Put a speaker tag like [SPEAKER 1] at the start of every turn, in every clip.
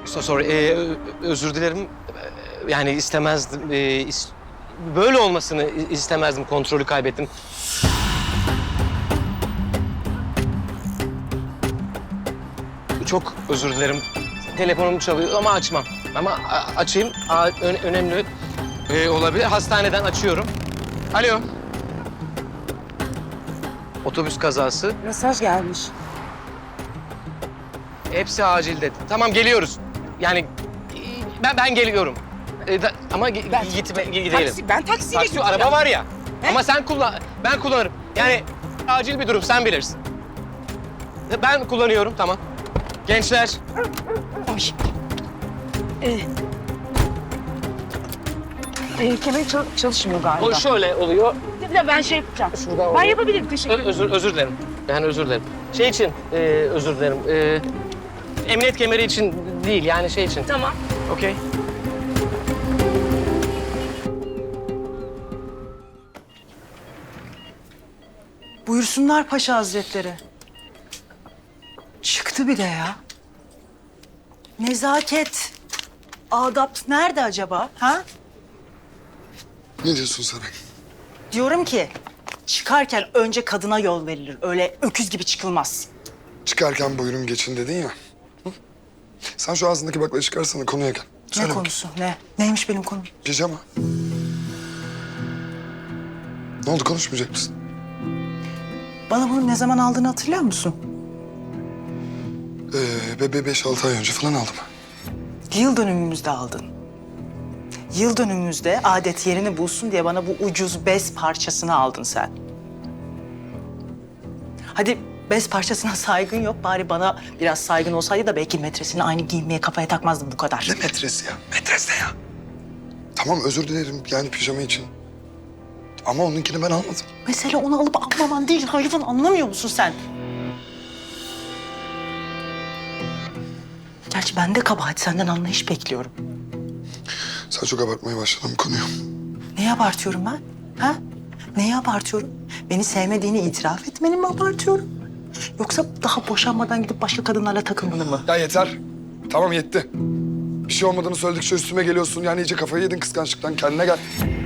[SPEAKER 1] Sorry, özür dilerim. Yani istemezdim. Böyle olmasını istemezdim. Kontrolü kaybettim. Çok özür dilerim. Telefonum çalıyor ama açmam. Ama açayım. Önemli olabilir. Hastaneden açıyorum. Alo. Otobüs kazası.
[SPEAKER 2] Mesaj gelmiş.
[SPEAKER 1] Hepsi acil dedi. Tamam geliyoruz. Yani ben geliyorum. Ama gidelim.
[SPEAKER 2] Ben taksiyle
[SPEAKER 1] Taksi,
[SPEAKER 2] gideceğim.
[SPEAKER 1] araba var ya. Ama sen kullan, ben kullanırım. Yani acil bir durum, sen bilirsin. Ben kullanıyorum, tamam. Gençler.
[SPEAKER 2] Kemer çalışmıyor galiba.
[SPEAKER 1] O şöyle oluyor.
[SPEAKER 2] Bir de ben şey yapacağım.
[SPEAKER 1] Şurada
[SPEAKER 2] Ben yapabilirim, teşekkür ederim.
[SPEAKER 1] Özür dilerim. Yani özür dilerim. Şey için özür dilerim. Emniyet kemeri için değil, yani şey için.
[SPEAKER 2] Tamam.
[SPEAKER 1] Okey.
[SPEAKER 3] Buyursunlar Paşa Hazretleri. Çıktı bile ya. Nezaket, adap nerede acaba? Ha?
[SPEAKER 4] Ne diyorsun sen?
[SPEAKER 3] Diyorum ki çıkarken önce kadına yol verilir. Öyle öküz gibi çıkılmaz.
[SPEAKER 4] Çıkarken buyurun geçin dedin ya. Hı? Sen şu ağzındaki baklayı çıkarsana, konuya gel. Söyle
[SPEAKER 3] Ne
[SPEAKER 4] bakayım.
[SPEAKER 3] konusu? Ne? Neymiş benim konum?
[SPEAKER 4] Pijama. Ne oldu, konuşmayacak mısın?
[SPEAKER 3] Bana bunu ne zaman aldığını hatırlıyor musun?
[SPEAKER 4] 5-6 ay önce falan aldım.
[SPEAKER 3] Yıl dönümümüzde aldın. Yıl dönümümüzde adet yerini bulsun diye bana bu ucuz bez parçasını aldın sen. Hadi bez parçasına saygın yok. Bari bana biraz saygın olsaydı da belki metresini aynı giyinmeye kafaya takmazdım bu kadar.
[SPEAKER 4] Ne metresi ya? Metres ne ya? Tamam, özür dilerim yani pijama için. Ama onunkini ben almadım.
[SPEAKER 3] Mesele onu alıp almaman değil hayvan, anlamıyor musun sen? Gerçi ben de kabahat, senden anlayış bekliyorum.
[SPEAKER 4] Sen çok abartmaya başladın bu konuyu.
[SPEAKER 3] Neyi abartıyorum ben? Ha? Neyi abartıyorum? Beni sevmediğini itiraf etmeni mi abartıyorum? Yoksa daha boşanmadan gidip başka kadınlarla takılmanı mı?
[SPEAKER 4] Ya yeter. Tamam, yetti. Bir şey olmadığını söyledikçe üstüme geliyorsun. Yani iyice kafayı yedin kıskançlıktan. Kendine gel.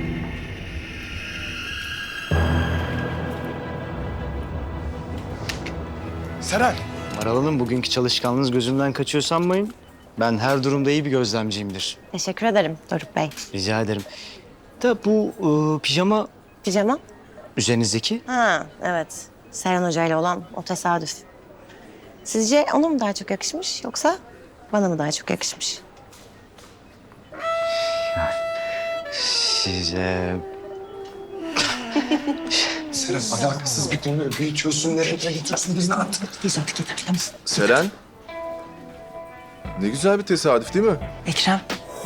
[SPEAKER 4] Seren.
[SPEAKER 5] Maral Hanım, bugünkü çalışkanlığınız gözümden kaçıyor sanmayın. Ben her durumda iyi bir gözlemciyimdir.
[SPEAKER 6] Teşekkür ederim Doruk Bey.
[SPEAKER 5] Rica ederim. Da bu pijama
[SPEAKER 6] Pijama?
[SPEAKER 5] üzerinizdeki.
[SPEAKER 6] Ha evet. Seren Hoca ile olan o tesadüf. Sizce ona mı daha çok yakışmış yoksa bana mı daha çok yakışmış?
[SPEAKER 5] Size...
[SPEAKER 4] Seren, alakasız bir konu. Büyütüyorsun, nereye gidiyorsun, biz ne yaptık?
[SPEAKER 3] Biz artık yeter, tamam.
[SPEAKER 7] Seren. Ne güzel bir tesadüf değil mi?
[SPEAKER 3] Ekrem.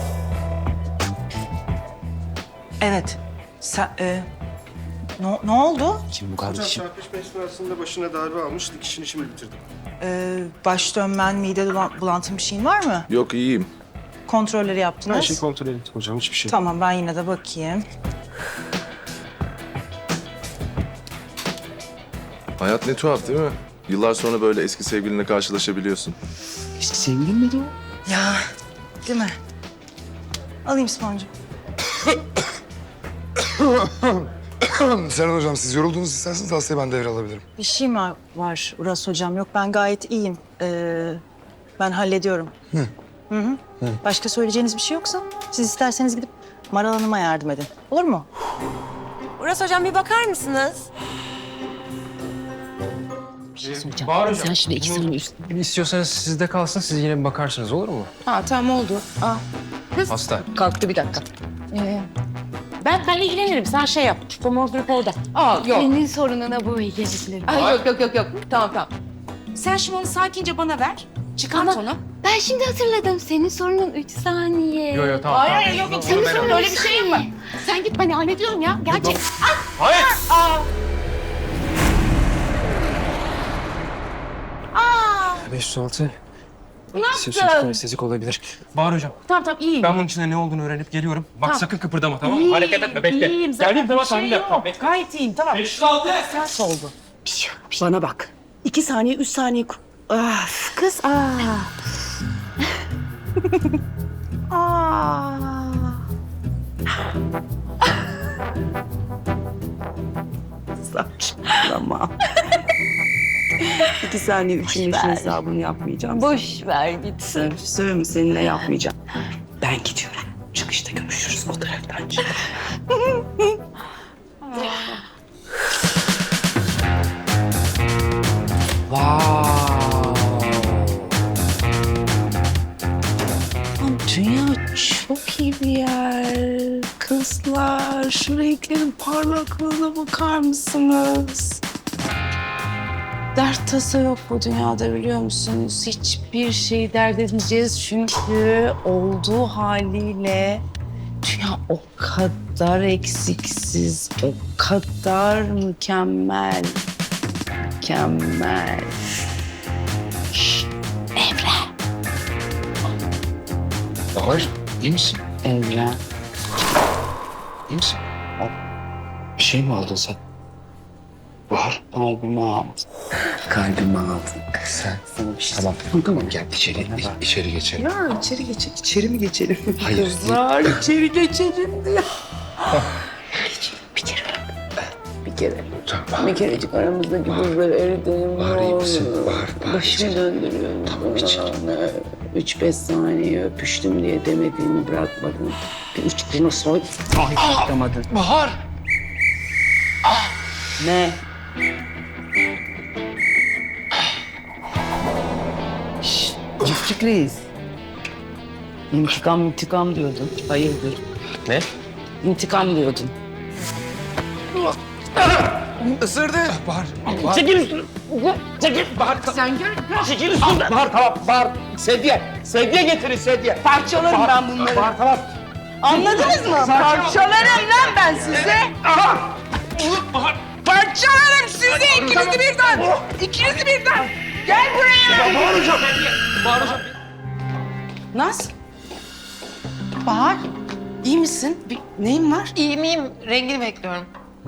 [SPEAKER 3] Evet. Sen, ne oldu?
[SPEAKER 5] Kim bu kardeşim?
[SPEAKER 8] Çarpışma esnasında başına darbe almış, dikişini şimdi bitirdim.
[SPEAKER 3] Baş dönmen, mide bulantın bir şeyin var mı?
[SPEAKER 7] Yok, iyiyim.
[SPEAKER 3] Kontrolleri yaptınız.
[SPEAKER 8] Her şeyi kontrol ettik hocam, hiçbir şey.
[SPEAKER 3] Tamam, ben yine de bakayım.
[SPEAKER 7] Hayat ne tuhaf değil mi? Yıllar sonra böyle eski sevgilinle karşılaşabiliyorsun.
[SPEAKER 5] İşte sevgilin miydi o?
[SPEAKER 3] Ya, değil mi? Alayım sponcu.
[SPEAKER 4] Seren hocam, siz yoruldunuz, isterseniz hastayı ben devralabilirim.
[SPEAKER 3] Bir şey mi var Uras hocam? Yok, ben gayet iyiyim. Ben hallediyorum. Hı. Başka söyleyeceğiniz bir şey yoksa siz isterseniz gidip Maral Hanım'a yardım edin. Olur mu?
[SPEAKER 6] Uras Hocam bir bakar mısınız?
[SPEAKER 1] Bağır
[SPEAKER 2] Sen şimdi iki sene üst.
[SPEAKER 1] İstiyorsanız sizde kalsın, siz yine bir bakarsınız, olur mu?
[SPEAKER 2] Ha tamam oldu. Kız
[SPEAKER 1] Hasta.
[SPEAKER 2] kalktı bir dakika. Ben ilgilenirim. Sen şey yap. Tomografı orada. Yok.
[SPEAKER 9] Senin sorununa bu ilgilenir.
[SPEAKER 2] Ay, yok. Tamam. Sen şimdi onu sakince bana ver. Çıkart onu.
[SPEAKER 9] Ben şimdi hatırladım. Senin sorunun 3 saniye.
[SPEAKER 1] Yo tamam.
[SPEAKER 2] Hayır, yok. Senin sorunun öyle bir şey mi? Sen git, ben hallediyorum ya. Gerçek.
[SPEAKER 1] Hayır.
[SPEAKER 2] Aa.
[SPEAKER 1] 506.
[SPEAKER 2] Ne yaptın?
[SPEAKER 1] Anestezik olabilir. Bahar hocam,
[SPEAKER 2] Tamam iyiyim.
[SPEAKER 1] ben bunun içinde ne olduğunu öğrenip geliyorum. Bak
[SPEAKER 2] Tamam.
[SPEAKER 1] sakın kıpırdama, tamam mı?
[SPEAKER 2] İyiyim,
[SPEAKER 1] Hareket etme, bekle.
[SPEAKER 2] İyiyim zaten.
[SPEAKER 1] Geldiğim zaman
[SPEAKER 2] Bir şey
[SPEAKER 1] tahmin yap.
[SPEAKER 2] yok.
[SPEAKER 1] Tamam, bekle.
[SPEAKER 2] Gayet iyiyim, tamam.
[SPEAKER 1] 506.
[SPEAKER 2] Sen oldu. Bana bak. 2 saniye, 3 saniye. Kız.
[SPEAKER 10] Saçmalama. 2 saniye üçün hesabını yapmayacağım.
[SPEAKER 9] Boş ver gitsin.
[SPEAKER 10] Söyle seninle yapmayacağım. Ben gidiyorum. Çıkışta görüşürüz o taraftan çık. Dünya çok iyi bir yer. Kızlar, şu renklerin parlaklığına bakar mısınız? Dert tasa yok bu dünyada biliyor musunuz? Hiçbir şey dert edeceğiz çünkü olduğu haliyle dünya o kadar eksiksiz, o kadar mükemmel. Mükemmel.
[SPEAKER 1] Bahar, iyi misin?
[SPEAKER 10] Evren.
[SPEAKER 1] İyi misin? Bir şey mi aldın sen? Bahar.
[SPEAKER 10] Kalbimi aldın. Kalbimi aldın.
[SPEAKER 1] Sen.
[SPEAKER 10] Sana bir şey
[SPEAKER 1] Tamam gel içeri geçelim.
[SPEAKER 10] Ya içeri geçelim. İçeri mi geçelim?
[SPEAKER 1] Hayır.
[SPEAKER 10] Kızlar içeri geçelim diyor. Bir kere. Bir kere.
[SPEAKER 1] Tamam.
[SPEAKER 10] Bir kerecik aramızdaki buzları eridelim.
[SPEAKER 1] Bahar, iyi misin? Bahar,
[SPEAKER 10] Başımı
[SPEAKER 1] içeri.
[SPEAKER 10] döndürüyorum.
[SPEAKER 1] Tamam, içeri.
[SPEAKER 10] 3-5 saniye öpüştüm diye demediğini bırakmadın. Bir uçtuğuna soy. Tutamadın.
[SPEAKER 1] Bahar!
[SPEAKER 10] Ne? Cüfçük Reis. İntikam diyordun. Hayırdır?
[SPEAKER 1] Ne?
[SPEAKER 10] İntikam diyordun.
[SPEAKER 1] Isırdı. Bahar.
[SPEAKER 10] Çekil üstüne. Çekil.
[SPEAKER 1] Bahar sen gel. Çekil üstünden. Bahar tamam. Bahar. Sedye. Sedye getirin sedye.
[SPEAKER 10] Parçalarım ben bunları.
[SPEAKER 1] Bahar tamam.
[SPEAKER 10] Anladınız mı? Parçalarım lan ben size.
[SPEAKER 1] Aha. Bahar.
[SPEAKER 10] Parçalarım sizi. İkinizi birden. İkinizi birden. Gel buraya.
[SPEAKER 1] Bahar hocam. Bahar hocam.
[SPEAKER 10] Naz. Bahar. İyi misin? Neyin var?
[SPEAKER 2] İyiyim iyiyim. Rengini bekliyorum.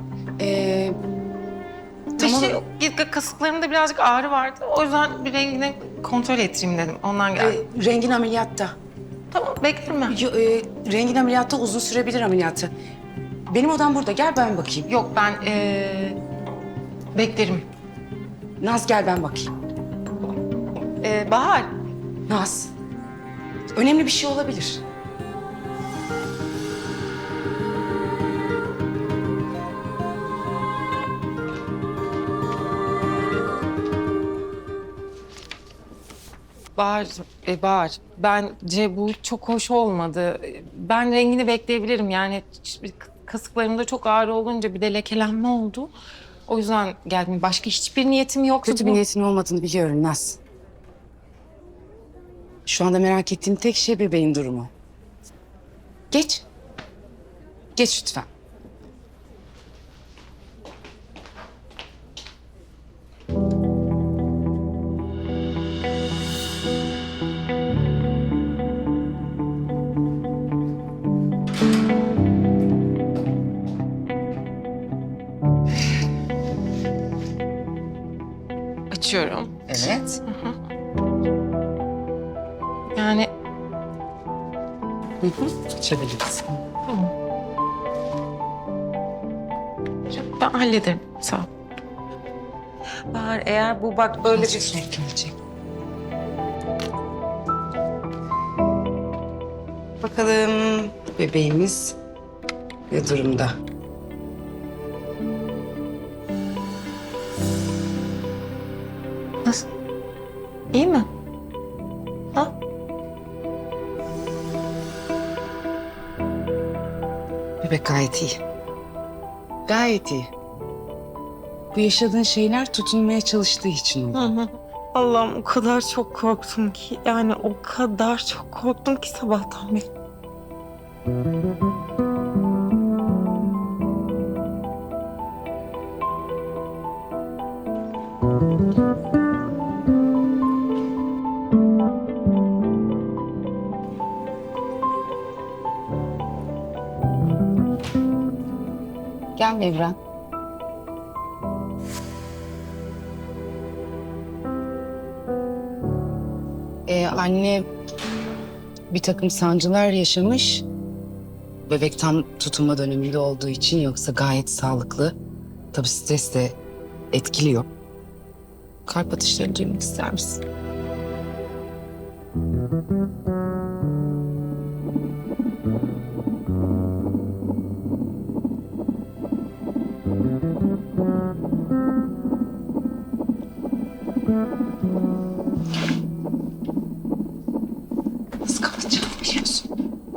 [SPEAKER 10] Tamam.
[SPEAKER 2] Kasıklarımda birazcık ağrı vardı. O yüzden bir rengini kontrol ettireyim dedim. Ondan geldim.
[SPEAKER 10] Rengin ameliyatta.
[SPEAKER 2] Tamam beklerim ben.
[SPEAKER 10] Rengin ameliyatta uzun sürebilir ameliyatı. Benim odam burada. Gel ben bakayım.
[SPEAKER 2] Yok ben beklerim.
[SPEAKER 10] Naz gel ben bakayım.
[SPEAKER 2] Bahar.
[SPEAKER 10] Naz. Önemli bir şey olabilir.
[SPEAKER 2] Bahar, bence bu çok hoş olmadı. Ben rengini bekleyebilirim. Yani kasıklarımda çok ağrı olunca bir de lekelenme oldu. O yüzden geldim. Başka hiçbir niyetim yoktu.
[SPEAKER 10] Kötü bir niyetin olmadığını biliyorum Naz. Şu anda merak ettiğim tek şey bebeğin durumu. Geç. Geç lütfen.
[SPEAKER 2] Açıyorum.
[SPEAKER 10] Evet.
[SPEAKER 2] Yani
[SPEAKER 10] Açabiliriz.
[SPEAKER 2] tamam. Ben hallederim. Sağ ol. Bahar eğer bu bak öyle bir...
[SPEAKER 10] Gelecek. Bakalım bebeğimiz ne durumda?
[SPEAKER 2] Nasıl? İyi mi? Ha?
[SPEAKER 10] Bebek gayet iyi. Gayet iyi. Bu yaşadığın şeyler tutunmaya çalıştığı için oldu.
[SPEAKER 2] Allah'ım o kadar çok korktum ki. Yani o kadar çok korktum ki sabahtan beri.
[SPEAKER 10] Gel Mevran. Anne bir takım sancılar yaşamış. Bebek tam tutunma döneminde olduğu için, yoksa gayet sağlıklı. Tabii stres de etkiliyor. Kalp atışlarını duymak ister misin? Nasıl kapatacağım biliyorsun.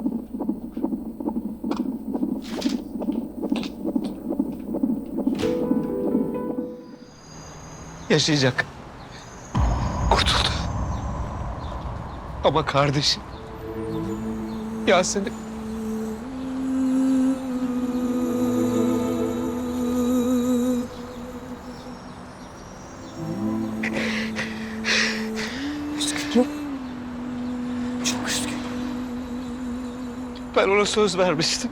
[SPEAKER 1] Yaşayacak. Kurtuldu. Ama kardeşim Yasemin üzgünüm. Çok üzgünüm. Ben ona söz vermiştim.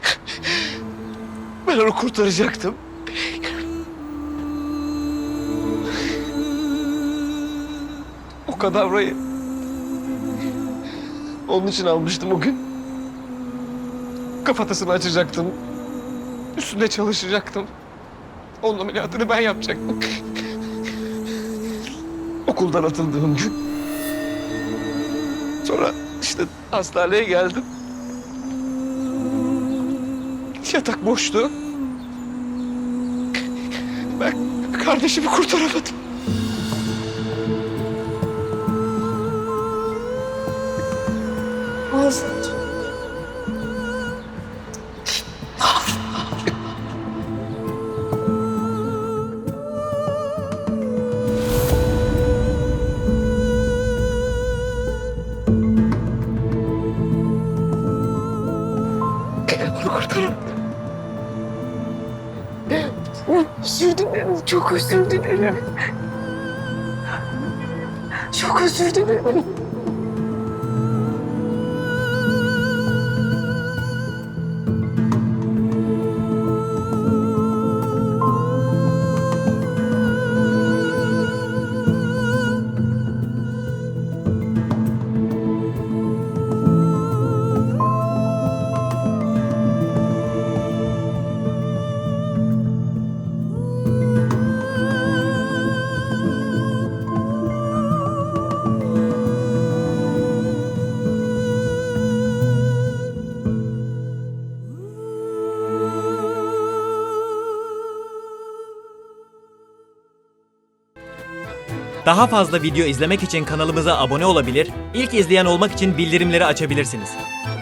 [SPEAKER 1] Ben onu kurtaracaktım. O kadavrayı onun için almıştım o gün. Kafatasını açacaktım. Üstünde çalışacaktım. Onun ameliyatını ben yapacaktım. Okuldan atıldığım gün. Sonra işte hastaneye geldim. Yatak boştu. Ben kardeşimi kurtaramadım. Onu kurtaramadım. Özür dilerim, çok özür dilerim. Çok özür dilerim.
[SPEAKER 11] Daha fazla video izlemek için kanalımıza abone olabilir, ilk izleyen olmak için bildirimleri açabilirsiniz.